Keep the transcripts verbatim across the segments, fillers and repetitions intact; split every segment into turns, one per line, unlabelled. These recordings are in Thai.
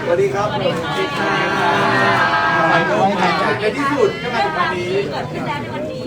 วัสดีครับสวัสดีค่ะไปด้วยในที่สุดก็มาถึงวันนี้
เกิดขึ้นแล้วในวันนี้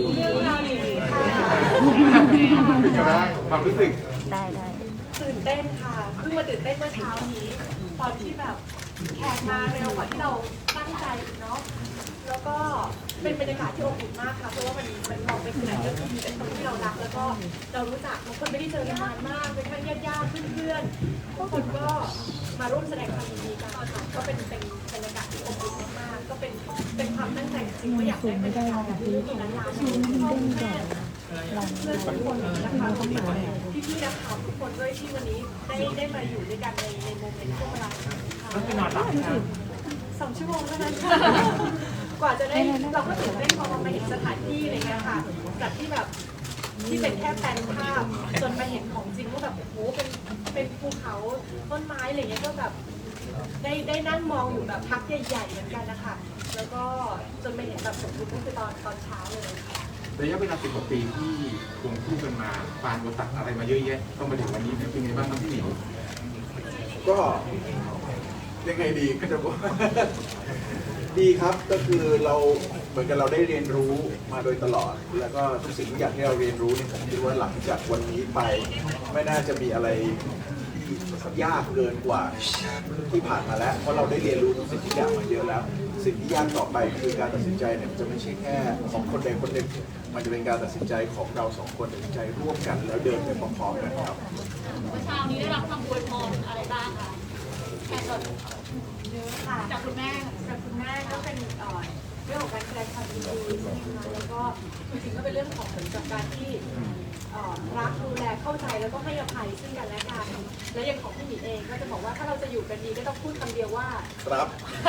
เป็นไงบ้างความรู้สึก
ได้ได้ตื่นเต้นค่ะเพิ่งมาตื่นเต้นเมื่อเช้านี้ตอนที่แบบแขกมาเร็วกว่าที่เราตั้งใจเนาะแล้วก็เป็นบรรยากาศที่อบอุ่นมากค่ะเพราะว่ามันมันมองไปที่ไหนก็คือมีแต่คนที่เรารักแล้วก็เรารู้จักบางคนไม่ได้เจอกันนานมากเป็นทั้งญาติๆเพื่อนๆทุกคนก็มาร่วมแสดงความยินดีกันค่ะก็เป็นเป็นบรรยากาศที่อบอุ่นมากๆก็เป็นเป็นความตั้งใจจริงๆว่าอยากได้บรรยากาศแบบนี้ที่ร้านๆที่พ่อแม่เพื่อนทุกคนนะคะพี่พี่ๆนักข่าวทุกคนด้วยที่วันนี้ได้ได้มาอยู่ด้วยกันในในโมเมนต์ช่วงเวลานี้ค่ะ
ก็คือนอนหลับนะ
สองชั่วโมงเท่านั้นค่ะกว่าจะได้เราก็ตื่นเต้นพอมาเห็นสถานที่อะไรเงี้ยค่ะจากที่แบบที่เป็นแค่แฟนภาพจนมาเห็นของจริงว่าแบบโอ้โหเป็นเป็นภูเขาต้นไม้อะไรเงี้ยก็แบบได้ได้นั่งมองอยู่แบบพักใหญ่ๆเหมือนกันนะคะแล้วก็จนมาเห็นแบบสมบูรณ์ก็คือตอนตอนเช้าเลยค่ะ
ระยะเวลาสิบกว่าปีที่ควงคู่กันมาผ่านอุปสรรคอะไรมาเยอะแยะต้องมาถึงวันนี้เป็นไงบ้างครับพี่หนิวก็ยังไงดีก็จะบอกดีครับก็คือเราเหมือนกับเราได้เรียนรู้มาโดยตลอดแล้วก็ทุกสิ่งทุกอย่างที่เราเรียนรู้เนี่ยผมคิดว่าหลังจากวันนี้ไปไม่น่าจะมีอะไรที่ยากเกินกว่าที่ผ่านมาแล้วเพราะเราได้เรียนรู้ทุกสิ่งทุกอย่างมาเยอะแล้วสิ่งที่ยากต่อไปคือการตัดสินใจเนี่ยจะไม่ใช่แค่ของคนใดคนหนึ่งมันจะเป็นการตัดสินใจของเราสองคนตัดสินใจร่วมกันแล้วเดินไปพร้อมๆกันครับ
เมื่อเช้านี้ได้รับคำอวยพรอะไรบ้างคะแค่ก่อน
เยอะค่ะจากคุณแม่จากคุณแม่ก็เป็นเอ่อเรื่องของการแสดงความยินดีใช่ไหมคะแล้วก็จริงๆก็เป็นเรื่องของผลจากการที่รักดูแลเข้าใจแล้วก็ให้อภัยซึ่งกันและกันและอย่างของพี่หมีเองก็จะบอกว่าถ้าเราจะอยู่กันดีก็ต้องพูดคำเดียวว่า
ครับ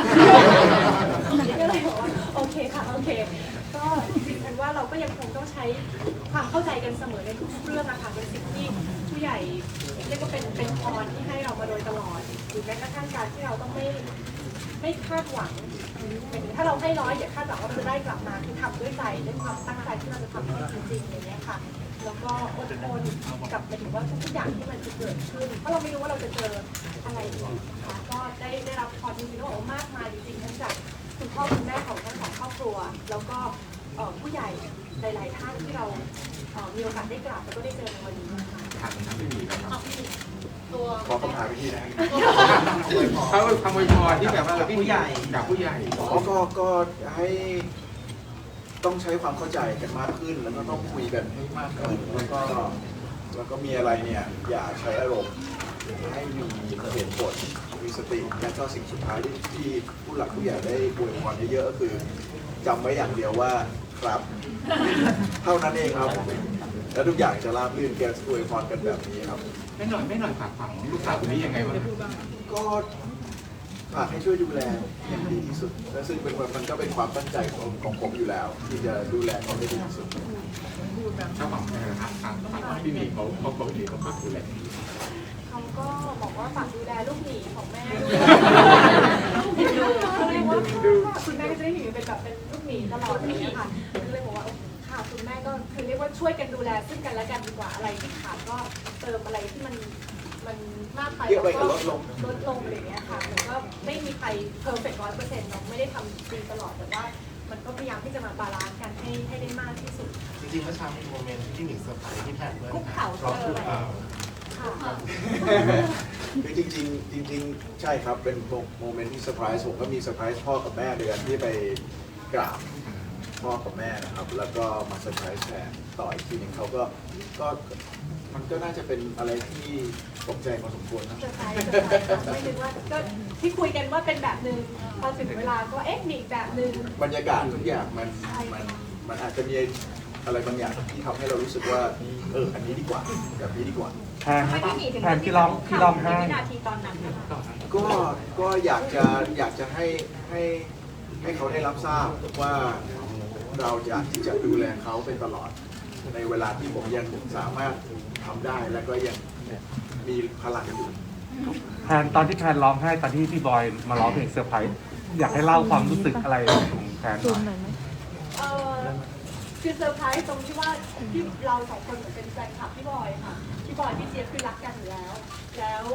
ก็เลยบอกว่าโอเคค่ะโอเคก็จริงๆว่าเราก็ยังคงต้องใช้ความเข้าใจกันเสมอในทุกๆเรื่องนะคะเป็นสิ่งที่ผู้ใหญ่เรียกว่าเป็นเป็นพรที่ให้เรามาโดยตลอดหรือแม้กระทั่งการที่เราต้องไม่ไม่คาดหวังถ้าเราให้ร้อยอย่าคาดหวังว่าจะได้กลับมาคือทำด้วยใจด้วยความตั้งใจที่เราจะทำให้จริงๆอย่างนี้ค่ะแล้วก็อดทนกับไปถึงว่าทุกอย่างที่มันจะเกิดขึ้นเพราะเราไม่รู้ว่าเราจะเจออะไรอีกค่ะก็ได้ได้รับพรจริงๆแล้วโอ้มากมายจริงๆทั้งจากคุณพ่อคุณแม่ของทั้งสองครอบครัวแล้วก็ผู้ใหญ่หลายๆท่านที่เรามีโอกาสได้กราบแล้วก็ได้เจอในวันนี้ค่ะ
ถามพี่หมีครับ
ตัว
ขอคำถามพี่นะเขาทำอวยพรที่แบบว่าผู้ใหญ่จากผู้ใหญ่อ๋อก็ก็ให้ต้องใช้ความเข้าใจกันมากขึ้นแล้วก็ต้องคุยกันให้มากขึ้นแล้วก็แล้วก็มีอะไรเนี่ยอย่าใช้อารมณ์ให้มีเหตุผลมีสติแล้วก็สิ่งสุดท้ายที่ที่ผู้หลักผู้ใหญ่ได้อวยพรเยอะๆก็คือจำไว้อย่างเดียวว่าครับเท่านั้นเองครับแล้วทุกอย่างจะราบรื่นแกอวยพรกันแบบนี้ครับไม่หน่อยไม่หน่อยฝากฝังลูกสาวคนนี้ยังไงวะก็ฝากให้ช่วยดูแลอย่างดีที่สุดและซึ่งเป็นมันก็เป็นความตั้งใจของของผมอยู่แล้วที่จะดูแลเขาได้ดีที่สุดถ้าหวังนะครับทางฝั่งพี่หมีเขาเขาบอกดีเขาฝากดูแล
เขาก็บอกว่าฝากดูแลลูกหมีของแม่ด้วยเขาเรียกว่าคุณแม่ก็จะได้อยู่เป็นแบบเป็นลูกหมีตลอดอย่างเงี้ยค่ะก็เลยบอกว่าค่ะคุณแม่ก็คือเรียกว่าช่วยกันดูแลซึ่งกันและกันดีกว่าอะไรที่ขาดก็เติมอะไรที่มันมันมากไป
แล้วก็ลดลง
ลดลงอะไรอย่างเงี้ยค่ะมันก็ไม่มีใครเพอร์เฟกต์ร้อยเปอร์เซ็นต์เราไม่ได้ทำดีตลอดแต่ว่ามันก็พยายามที่จะมาบาลานซ์กันให้ให้ได้มากที่สุด
จริงๆเมื่อเช้ามีโมเมนต์ที่หนิงเซอร์ไพรส์ที่แพนด้วย
คุกเข่าเลย
คือจริงๆจริงๆใช่ครับเป็นโมเมนต์ที่เซอร์ไพรส์ผมก็มีเซอร์ไพรส์พ่อกับแม่เดือนที่ไปกราบพ่อกับแม่นะครับแล้วก็มาเซอร์ไพรส์แทนต่ออีกทีนึงเขาก็ก็มันก็น่าจะเป็นอะไรที่ตกใจพอสมควรนะ
เซอร์ไพรส์ไม่นึกว่าก็ที่คุยกันว่าเป็นแบบนึงพอถึงเวลาก็เอ๊ะมีอีกแบบนึง
บรรยากาศทุกอย่างมันมันมันอาจจะมีอะไรบางอย่างที่ทำให้เรารู้สึกว่าเอออันนี้ดีกว่าแบบนี้ดีกว่า
แทนแทนที่ร้องที่ร้องไห้
ก็ก็อยากจะอยากจะให้ให้ให้เขาได้รับทราบว่าเราอยากที่จะดูแลเขาเป็นตลอดในเวลาที่ผมยังสามารถทำได้และก็ยังมีพลังอยู่
แทนตอนที่แทนร้องไห้ตอนที่พี่บอยมาร้องเพลงเซอร์ไพรส์อยากให้เล่าความรู้สึกอะไรของแทนหน่อย
คือเซอร์ไพรส์ตรงที่ว่าที่เราสองคนเป็นแฟนคลับพี่บอยค่ะพี่บอยพี่เจี๊ยบคือรักกันอยู่แล้วแล้ว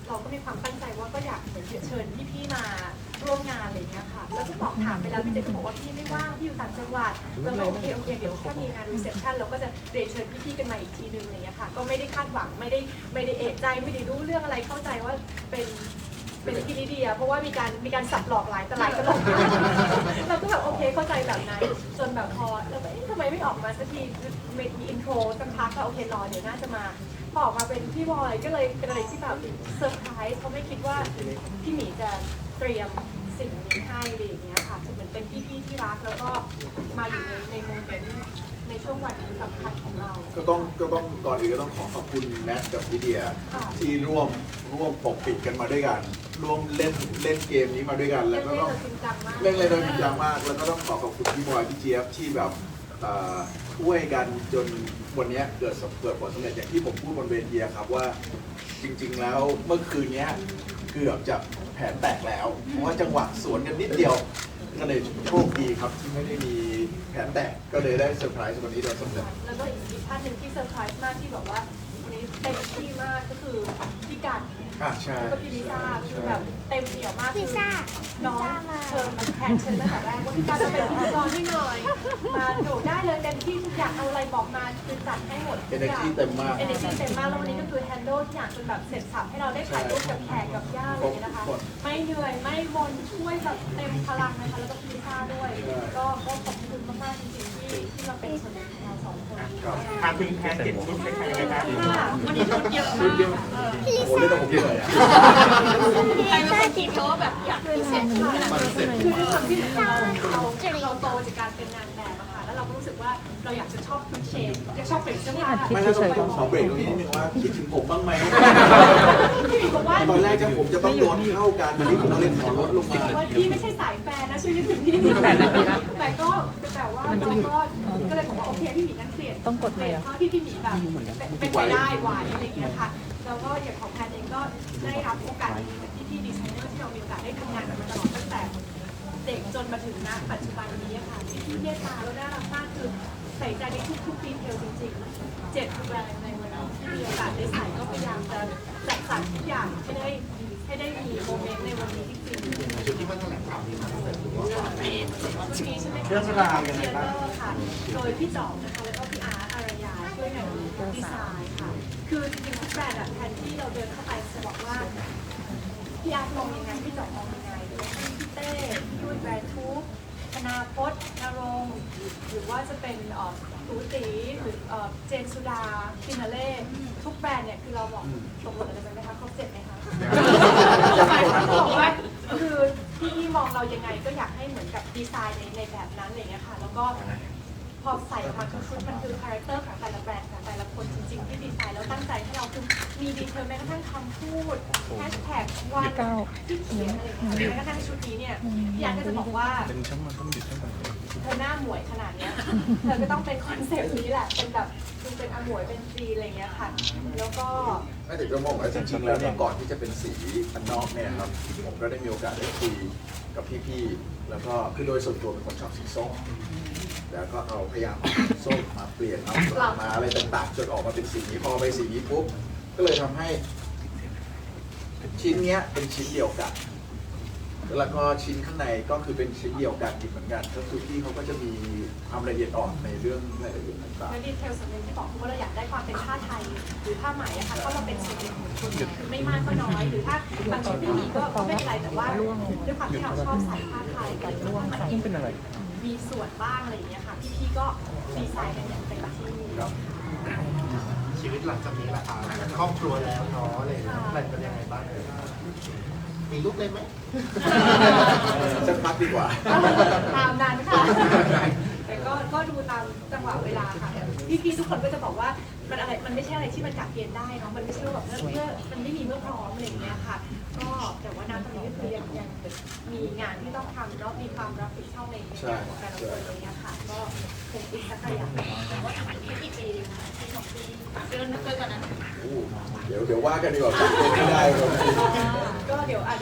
เราก็มีความตั้งใจว่าก็อยากเหมือนเชิญพี่ๆมาร่วมงานอะไรเงี้ยค่ะแล้วก็บอกถามไปแล้วพี่เจก็บอกว่าพี่ไม่ว่างพี่อยู่ต่างจังหวัดแล้วก็โอเคโอเคเดี๋ยวถ้ามีงานรีเซพชันเราก็จะเรียนเชิญพี่ๆกันมาอีกทีนึงอะไรเงี้ยค่ะก็ไม่ได้คาดหวังไม่ได้ไม่ได้เอะใจไม่ได้รู้เรื่องอะไรเข้าใจว่าเป็นเป็นพี่ลิเดียเพราะว่ามีการมีการสับหลอกหลายต่อหลายตลอดเราก็แบบโอเคเข้าใจแบบนั้นจนแบบพอเราแบบทำไมไม่ออกมาสักทีมีอินโทรสักพักก็โอเครอเดี๋ยวน่าจะมาพอออกมาเป็นพี่บอยก็เลยเป็นอะไรที่แบบเซอร์ไพรส์เพราะไม่คิดว่าพี่หมีจะเตรียมสิ่งนี้ให้อะไรอย่างเงี้ยค่ะเหมือนเป็นพี่ๆที่รักแล้วก็มาอยู่ในในโมเมนต์ในช่วงวันสำคัญของเรา
ก็ต้องก็ต้องก่อนอื่นก็ต้องขอขอบคุณแนทกับลิเดียที่ร่วมร่วมปกปิดกันมาด้วยกันร่วมเล่นเล่นเกมนี้มาด้วยกัน แล้วก็ต้องเล่นเลยโดยจริงจังมากแล้วก็ต้องขอขอบคุณพี่บอยพี่เจี๊ยบที่แบบช่วยกันจนวันนี้เกิดเกิดผลสำเร็จอย่างที่ผมพูดบนเวทีครับว่าจริงๆแล้วเมื่อคืนนี้เกือบจะแผนแตกแล้วเพราะว่าจังหวะสวนกันนิดเดียวก็เลยโชคดีครับที่ไม่ได้มีแผนแตกก็เลยได้เซอร์ไพรส์วันนี้โดยสำเร็จ
แล้วก็อีกท่านหนึ่งที่เซอร์ไพรส์มากที่บอกว่าวันนี้เต็มที่มากก็คือพี่กัน
อ่ะใช่
แล้วก็พี่ลิซ่าคือแบบเต็มเหนียวมากคือน้องเชิญมาแทนเชิญตั้งแต่แรกว่าพี่กันจะเป็นพิธีกรให้หน่อยมาโดดได้เลยเต็มที่ทุกอย่างเอาอะไรบอกมาคือจัดให้หมด
เอเนอร์จีเต็มมาก
เอเนอร์จีเต็มมากแล้ววันนี้ก็คือแฮนด์ลทุกอย่างจนแบบเสร็จสับให้เราได้ถ่ายรูปกับแขกกับญาติอะไรอย่างเงี้ยนะคะไม่เหนื่อยไม่วนช่วยแบบเต็มพลังนะคะแล้วก็พี่ลิซ่าด้วยก็ก็ขอบคุณมากๆจริงๆที่ที่เราเป็นส่วนหนึ่งของเราสองคน
ทางคุณแพนเก็บชุดเป็นยังไงครับ
วันนี้ชุดเยอะมากเออ
โอ้โหเล่นกับผมเลยอ่ะ
ใครเป็นคนคิดเขาว่าแบบอยากพิเศษขนาด
มัน
นี้
เสร็จ
คือด้วยความที่เราเราเราโตจากการเป็นนางแบบอะค่ะแล้วเราก็รู้สึกว่าเราอยากจะชอบคุณเชนอยากชอบเป็นเสื้อผ้า
ไม่ถ้าต้องขอเบรกตรงนี้นิดนึงว่าคิดถึงผมบ้างไหม
พี่บอกว่า
ตอนแรกจะผมจะต้องโดนเข้ากันวันนี้ผมเล่นขอลดลงมา
ว่าพี่ไม่ใช่สายแฟนนะช่วยนึกถึงพี่แต่แต่ก็แต่ว่าเราก็ก็เลยบอกว่าโอเคพี่หมีงั้นเปลี่ยนต้องกดเลยเพราะที่พี่หมีแบบเป็นไปได้ไหวอะไรอย่างเงี้ยค่ะแล้วก็อย่างของแพนเองก็ได้รับโอกาสดีจากพี่ๆดีไซเนอร์ที่เรามีโอกาสได้ทำงานกันมาตลอดตั้งแต่เด็กจนมาถึงณปัจจุบันนี้ค่ะที่พี่เมตตาแล้วน่ารักมากคือใส่ใจในทุกๆดีเทลจริงๆเจ็ดแบรนด์ในวันนี้ที่มีโอกาสได้ใส่ก็พยายามจะจัดสรรทุกอย่างให้ได้ให้ได้มีโมเมนต์ในวันนี้จริงๆ
ชุดที่มันแถลงข่าวนี้มันเสร็จหรือว่า
ชุดนี้ใช่ไหมคะ
เรื่องราวยังไงบ้าง
ค่ะ โดยพี่จ๋องนะคะแล้วก็พี่อาร์ตอารยาช่วยกันดีไซน์ค่ะ คือจริงๆทุกแบรนด์อะแทนที่เราเดินเข้าไปจะบอกว่าพี่อาร์ตมองยังไงพี่จ๋องมองยังไงหรือว่าพี่เต้พี่ยุ่ยแบรนด์ทุกธนาพจน์นรงค์หรือว่าจะเป็นเอ่อตูตีหรือเอ่อเจนสุดาฟินาเล่ทุกแบรนด์เนี่ยคือเราบอกตกลงอะไรกันไหมคะครบเจ็ดไหมคะบอกว่าคือพี่พี่มองเรายังไงก็อยากให้เหมือนกับดีไซน์ในในแบบนั้นอะไรเงี้ยค่ะแล้วก็พอใส่ออกมาทุกชุดมันคือคาแรคเตอร์ของแต่ละแบรนด์ของแต่ละคนจริงๆที่ดีไซน์แล้วตั้งใจให้เราคือมีดีเทลแม้กระทั่งคำพูดแฮชแท็กวันที่เขียนอะไรเงี้ยแม้กระทั่งชุดนี้เนี่ยพี่อาร์ตก็จะบอกว่าเธอหน้าหมวยขนาดเนี้ยเธอก็ต้องเป็นคอนเซ็ปต์นี้แหละเป็นแบบคือเป็นอมวยเป็นซีอะไรเงี้ยค่ะแล้วก็
ไม่แต่ก็มองว่าจริงๆแล้วเนี่ยก่อนที่จะเป็นสีอันนอกเนี่ยครับผมก็ได้มีโอกาสได้คุยกับพี่ๆแล้วก็คือโดยส่วนตัวเป็นคนชอบสีส้มแล้วก็เอาพยายามเอาสีส้มมาเปลี่ยนเอาปรับมาอะไรต่างๆจนออกมาเป็นสีนี้พอไปสีนี้ปุ๊บก็เลยทำให้ชิ้นเนี้ยเป็นชิ้นเดียวกันแล้วก็ชิ้นข้างในก็คือเป็นชิ้นเดียวกันอีกเหมือนกันก็คือพี่เขาก็จะมีความละเอียดอ่อนในเรื่องรายละเอียดต่างๆ
และดีเทลสำคัญที่บอกคือว่าเราอยากได้ความเป็นผ้าไทยหรือผ้าไหมอะค่ะก็เราเป็นส่วนหนึ่งของคนคือไม่มากก็น้อยหรือถ้าบางชุดไม่มีก็ก็ไม่เป็นไรแต่ว่าด้วยความที่เราชอบใส่ผ้าไทยกับผ้าไหมมีส่วนบ้างอะไรอย่างเงี้ยค่ะพี่ๆก็ดีไซน์กันอย่างเต็มที่
ชีวิตหลังจากนี้ล่ะครับครอบครัวแล้วเนาะอะไรอย่างเงี้ยแพลนเป็นยังไงบ้างมีลูกเลยไหม
สักพักดีกว่า
ตามนั้นค่ะแต่ก็ก็ดูตามจังหวะเวลาค่ะพี่ๆทุกคนก็จะบอกว่ามันอะไรมันไม่ใช่อะไรที่มันกักเกณฑ์ได้เนาะมันไม่ใช่ว่าแบบเมื่อเมื่อมันไม่มีเมื่อพร้อมอะไรอย่างเงี้ยค่ะก็แต่ว่าน้ำตอนนี้ก็คือยังยังมีงานที่ต้องทำแล้วมีความรับผิดชอบในงานของแต่ละคนอะไรอย่างเงี้ยค่ะก็คงอีกสักระยะหนึ่ง
แต่ว่าทำเป็นกี่ปีคะปีสองปีเดือนนึงเกินกว่านั้น
เดี๋ยวเดี๋ยวว่ากันดีกว่าปรับตัวไม่ได้ครับ
ก็เดี๋ยวอาจจะ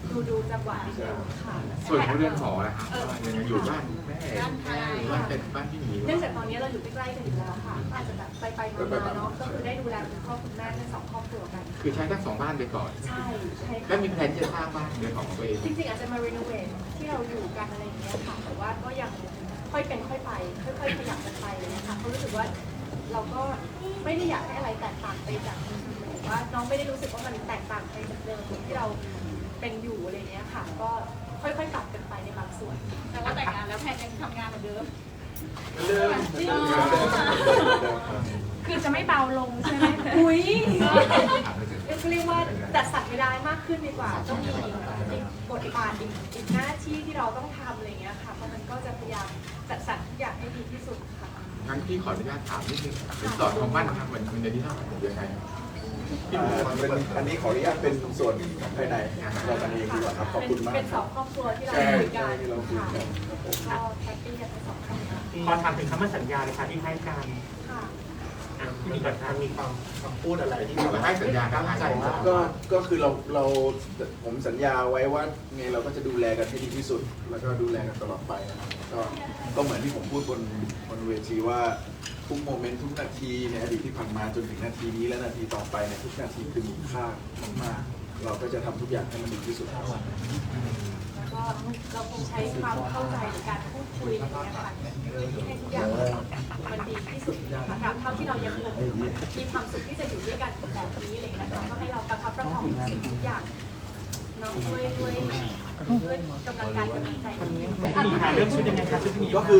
ดูดูจังหวะนิดนึงค่ะ
ส่วนของเรือนหอนะครับยังอยู่บ้านแม่แม่หรือว่าเป็นบ้านพี่หมี
เนื่องจากตอนนี้เราอยู่ใกล้ๆกันอยู่แล้วค่ะอาจจะแบบไปไปๆมาๆเนาะก็คือได้ดูแลคุณพ่อคุณแม่ทั้งสองครอบครัวกัน
คือใช้ทั้งสองบ้านไปก่อน
ใช่ใช่
แล้ว
ค่ะ
มีแผนจะสร้างบ้านเรือนหอของตัวเอง
จริงๆอาจจะมารีโนเวทที่เราอยู่กันอะไรอย่างเงี้ยค่ะแต่ว่าก็ยังค่อยเป็นค่อยไป ค่อยๆขยับกันไปเลยนะคะเขารู้สึกว่าเราก็ไม่ได้อยากให้อะไรแตกต่างไปจากหรือว่าน้องไม่ได้รู้สึกว่ามันแตกต่างไปจากเดิมที่เราเป็นอยู่อะไรเงี้ยค่ะก็ค่อยๆปรับกันไปในบางส่วน
แต่ว่าแต่งงานแล้วแพนยังทำงานเหมือนเดิม
เริ่ม
จริง
เริ่ม
เหรอ
เริ่มเริ่ม
คือจะไม่เบาลงใช่ไหมอุ้ยก็เรียกว่าจัดสรรเวลามากขึ้นดีกว่าต้องมีอีกบทบาทอีกอีกหน้าที่ที่เราต้องทำอะไรเงี้ยค่ะเพราะมันก็จะพยายามจัดสรรทุกอย่างให้ดีที่สุดค่ะ
งั้นพี่ขออนุญาตถามนิดนึงสินสอดของบ้านนะครับมันมันจะที่เท่าไหร่ยังไง
อ่าเป็นอันนี้ขออนุญาตเป็นส่วนภายในเรากันเองดีกว่าครับขอบคุณมาก
เป็น
ค
ส
รั
อบ งครอบครัวที่เรา
ใช่
คุยกั
ใช่
น
ที่เราคุย
ค่ะ
กัน
ก็แฮปปี้กันทั้งสองคนค่ะ
พอถามถึงคำมั่นสัญญาเลยค่ะที่ให้การ
ค่ะ
มีแบบมันมีความคำพูดอะไรที่
เราให้สัญญาตั้งใจมาก
ก็ก็คือเราเราผมสัญญาไว้ว่าไงเราก็จะดูแลกันให้ดีที่สุด แล้วก็ดูแลกันตลอดไปนะครับก็ก็เหมือนที่ผมพูดบนบนเวทีว่าทุกโมเมนต์ทุกนาทีในอดีตที่ผ่านมาจนถึงนาทีนี้และนาทีต่อไปในยทุกนาทีคือมีค่ามากๆเราก็จะทำทุกอย่างให้มันดีที่สุดครับ
แล้วก็เราคงใช้ความเข้าใจในการพูดคุยอะไรอย่างเงี้ยค่ะเพื่อที่ให้ทุกอย่างมันดีที่สุดนะคะตราบเท่าที่เรายังคงมีความสุขที่จะอยู่ด้วยกันแบบนี้อะไรอย่างเลยนะคะก็ให้เราประคับประคองสิ่งทุกอย่างเนาะด้วยด้วยด้วยกำลังกายกำลังใจนี้
มีหาเรื่องชุดยังไงคะชุดนี้
ก็คือ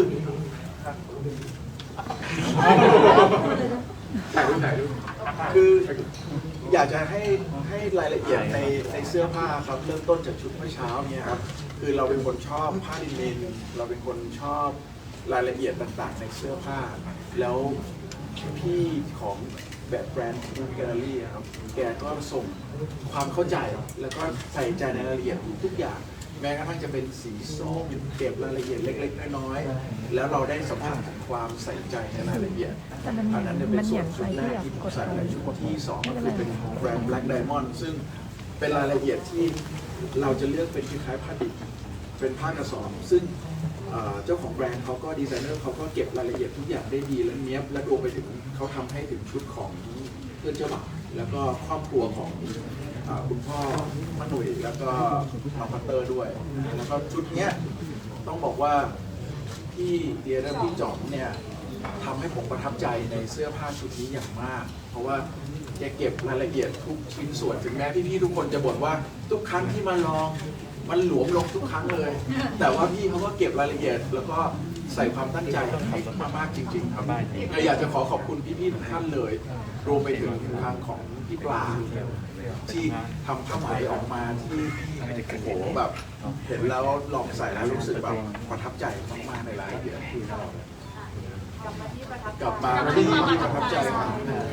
ถ่ายรูปถ่ายรูป
คืออยากจะให้ให้รายละเอียดในในเสื้อผ้าครับเริ่มต้นจากชุดเมื่อเช้าเนี่ยครับคือเราเป็นคนชอบผ้าลินินเราเป็นคนชอบรายละเอียดต่างๆ ในเสื้อผ้า แล้วพี่ของแบบแบรนด์บูแกลเลอรี่ครับแกก็ส่งความเข้าใจแล้วก็ใส่ใจในรายละเอียดทุกอย่าง แม้กระทั่งจะเป็นสีส้มเก็บรายละเอียดเล็กๆน้อยๆแล้วเราได้สัมผัสถึงความใส่ใจในรายละเอียดอันนั้นจะเป็นส่วนชุดแรกที่ผมใส่ในชุดที่สองก็คือเป็นแบรนด์ Black Diamond ซึ่งเป็นรายละเอียดที่เราจะเลือกเป็นคล้ายๆผ้าดิบเป็นผ้ากระสอบซึ่งเอ่อเจ้าของแบรนด์เขาก็ดีไซเนอร์เขาก็เก็บรายละเอียดทุกอย่างได้ดีและเนี้ยบและรวมไปถึงเขาทำให้ถึงชุดของเพื่อนเจ้าบ่าวแล้วก็ครอบครัวของอ่าคุณพ่อมะหนุ่ยแล้วก็น้องพัตเตอร์ด้วย แล้วก็ชุดเนี้ยต้องบอกว่าพี่เดียและพี่จ๋องเนี่ยทำให้ผมประทับใจในเสื้อผ้าชุดนี้อย่างมาก เพราะว่าแกเก็บรายละเอียดทุกชิ้นส่วนถึงแม้พี่ๆทุกคนจะบ่นว่าทุกครั้งที่มาลองมันหลวมลงทุกครั้งเลย แต่ว่าพี่เขาก็เก็บรายละเอียดแล้วก็ใส่ความตั้งใจให้มากๆจริง ๆ ครับเลยอยากจะขอขอบคุณพี่ๆทุกท่านเลย รวมไปถึงทางของพี่ปลาที่ทำผ้าไหมออกมาที่โอ้โหแบบเห็นแล้วลองใส่แล้วรู้สึกแบบประทับใจมากๆในรายละเอียดที่เรา
กลับมาที่ประทับใจ
กลับมาที่ที่ประทับใจครับ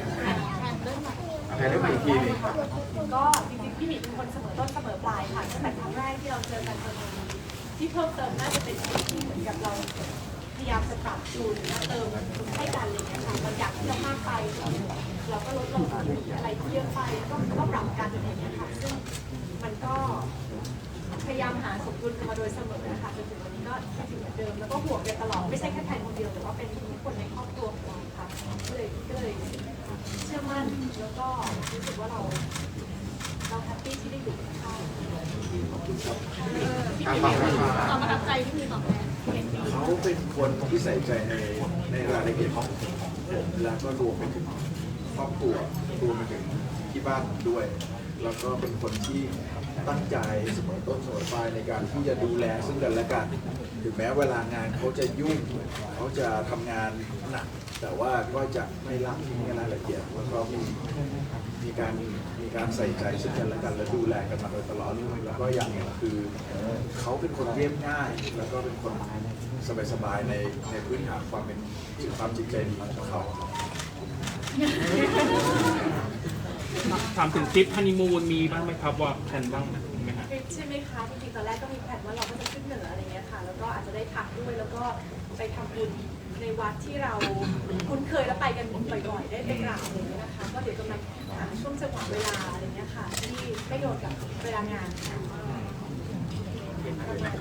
ถ่ายรูปมาอีกทีหนึง
ก็จริงๆพี่หมีเป็นคนเสมอต้นเสมอปลายค่ะตั้งแต่ครั้งแรกที่เราเจอกันจนวันนี้ที่เพิ่มเติมน่าจะเป็นสิ่งที่เหมือนกับเราพยายามจะปรับจูนและเติมให้กันอะไรอย่างเลยนะคะบางอย่างที่เรามากไปเราก็ลดลงอะไรที่เยอะไปก็ก็ปรับกันอะไรอย่างเงี้ยค่ะซึ่งมันก็พยายามหาสมดุลมาโดยเสมอนะคะจนถึงวันนี้ก็คิดถึงเหมือนเดิมแล้วก็ห่วงกันตลอดไม่ใช่แค่แทนคนเดียวแต่ว่าเป็นทุกคนในครอบครัวของเราค่ะก็เลยก็เลยเชื่อมั่นแล้วก็รู้สึกว่าเราเราแฮปปี้ที่ได้อยู่กับเขา
พี่หมีความประทับใจที่มีต่อแพนเห็นปี
เขาเป็นคนที่ใส่ใจในในรายละเอียดของผมแล้วก็รวมไปถึงครอบครัวรวมไปถึงที่บ้านด้วย แล้วก็เป็นคนที่ตั้งใจเสมอต้นเสมอปลายในการที่จะดูแลซึ่งกันและกัน ถึงแม้เวลางานเขาจะยุ่งเขาจะทำงานหนัก แต่ว่าก็จะไม่ละทิ้งรายละเอียดแล้วก็มีมีการมีการใส่ใจซึ่งกันและกันและดูแลกันมาโดยตลอดแล้วก็อย่างหนึ่งคือเขาเป็นคนเรียบง่าย แล้วก็เป็นคนสบายๆในในพื้นฐานความเป็นความจิตใจดีของเขา
ถามถึงทริปฮันนีมูนมีบ้างไหมครับว่าแผนบ้างไหมฮะ
ทริปใช่ไหมคะจริงๆตอนแรกก็มีแผนว่าเราก็จะขึ้นเหนืออะไรเงี้ยค่ะแล้วก็อาจจะได้พักด้วยแล้วก็ไปทำบุญในวัดที่เราคุ้นเคยแล้วไปกันบ่อยๆได้ไปกราบอะไรเงี้ยนะคะก็เดี๋ยวกำลังหาช่วงจังหวะเวลาอะไรเงี้ยค่ะที่ไม่โดนกับเวลางานค่ะ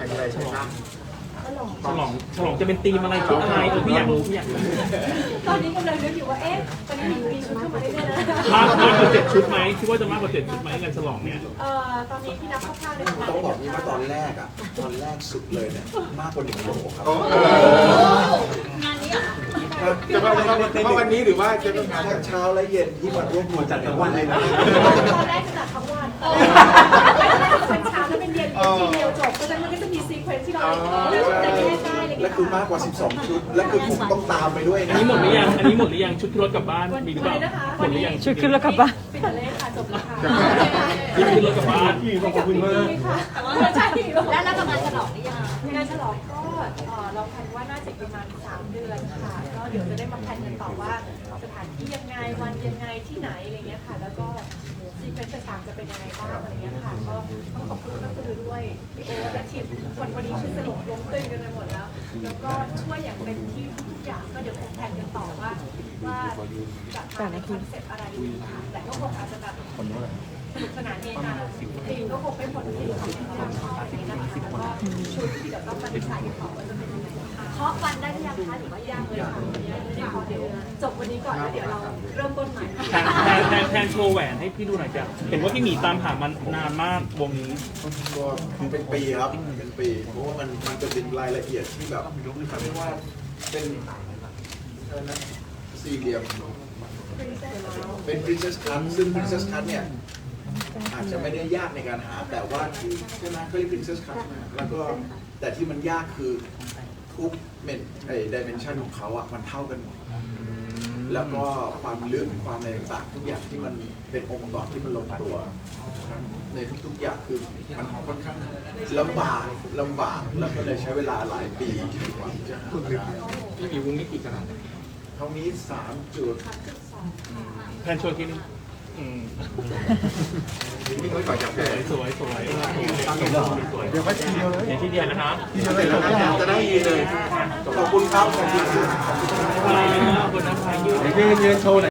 อะไรใช่ไหม
ฉลองฉลองจะเป็นธีมอะไรคิดอะไรเออพี่อยากรู้พี่อยากรู้
ตอนนี้กำลังนึกอยู่ว่าเอ๊ะตอนนี้มีมีชุดเข้ามาเรื่อยๆนะ
มากมากกว่าเจ็ดชุดไหมคิดว่าจะมากกว่าเจ็ดชุดไหมงานฉลองเนี่ย
เอ่อตอนนี้พี่นับคร่าวๆเลยค่ะ
ต้องบอกนี่ว่าตอนแรกอ่ะตอนแรกสุดเลยเนี่ยมากกว่าหนึ่งโลครับ
งานนี้อ่ะ
จะมาจะมาวันนี้หรือว่าจะเป็นงาน
ทั้งเช้าและเย็นที่มันร่วมมือจัดทั้งวันเลยนะ
ตอนแรกจะจัดทั้งวันตอนแรกจะเป็นเช้าแล้วเป็นเย็นทีเดียวจบเพราะฉะนั้นมันก็จะมีซีเควนซ์ที่เราจะแยกได้อะไรอย่าง
และ
เงี้ย
คือมากกว่าสิบสองชุด และคือผมต้องตามไปด้วย
อัน
นะ
นี้หมดหรือยังอันนี้หมดหรือยังชุดขึ้นรถกลับบ้านมีหรือเปล่าหมดหรือยัง
ชุดขึ้นรถกลับบ้าน
ปิดแต่เลขค่ะจบแล้วค่ะ
ชุดขึ้นรถกลับบ้าน
ขอบคุณมากค่ะ
แต่ว่าใช่แล้วแล้วประมาณฉลองหรือยัง
งานฉลองก็เอ่อเราแพลนว่าน่าจะประมาณสามเดือนค่ะก็เดี๋ยวจะได้มาแพลนกันต่อว่าสถานที่ยังไงวันยังไงที่ไหนอะไรเงี้ยค่ะ แล้วก็ซีเควนซ์ต่างๆจะเป็นยังไงบ้างอะไรเงี้ยค่ะก็ต้องขอบคุณนักสือด้วยพี่โอ๊ตและทีมทุกคนวันนี้คือสนุกลงตึ้งกันไปหมดแล้ว แล้วก็ช่วยอย่างเต็มที่ทุกอย่างก็เดี๋ยวคงแพลนกันต่อว่าว่าจะทำในคอนเซ็ปต์อะไรดีค่ะแต่ก็คงอาจจะแบบสนุกสนานเฮฮาเพลงก็คงเป็นผลเพลงของเราชอบอะไรอย่างเงี้ยนะคะแล้วก็ชุดที่เดี๋ยวต้องมาดีไซน์กันต่อว่าจะเป็นยังไงค่ะ
เคาะฟันได้หรือยังคะหรือว่ายั
ยัง งเลยค่ะยังไม่ได้ขอเดี๋ยวจบวันนี้ก่อนแล้วเดี๋ยวเราเริ่มต้นใหม่
แทนแทนแทนแทนโชว์แหวนให้พี่ดูหน่อยจ้ะเห็นว่าพี่หมีตามหามันนานมากวงนี้
ก็เป็นปีครับเป็นปีเพราะว่ามันมันจะเป็นรายละเอียดที่แบบไม่ว่าเป็นอะไรนะสี่เหลี่ยมเป็น princess cut ซึ่ง princess cut เนี่ยอาจจะไม่ได้ยากในการหาแต่ว่าที่ใช่ไหมก็เรียก princess cut ใช่ไหมแล้วก็แต่ที่มันยากคือทุกเมนไอ้ dimension ของเขาอ่ะมันเท่ากันหมด แล้วก็ความลึกความอะไรต่างๆทุกอย่างที่มันเป็นองค์ประกอบที่มันลงตัว ในทุกๆอย่างคือมันค่อนข้างลำบากลำบากแล้วก็เลยใช้เวลาหลายปีกว่าที่จะหาได้
พี่หมีวงนี้กี่ขนาด
เท่านี้สามจุด
แทนโชว์ที่นี่อืม
นี่เขาก่อนจับแผล
สวยสวยสวยเดี๋ยวก็ทีเดียวเลยเดี๋ยวทีเดียวนะครับ
ที่จะเสร็จแล้วนะจะได้ยินเลย
ขอบคุณครับขอบคุณครับ
ขอบคุณนะครับยืน
ยืนยืนโชว์หน่อย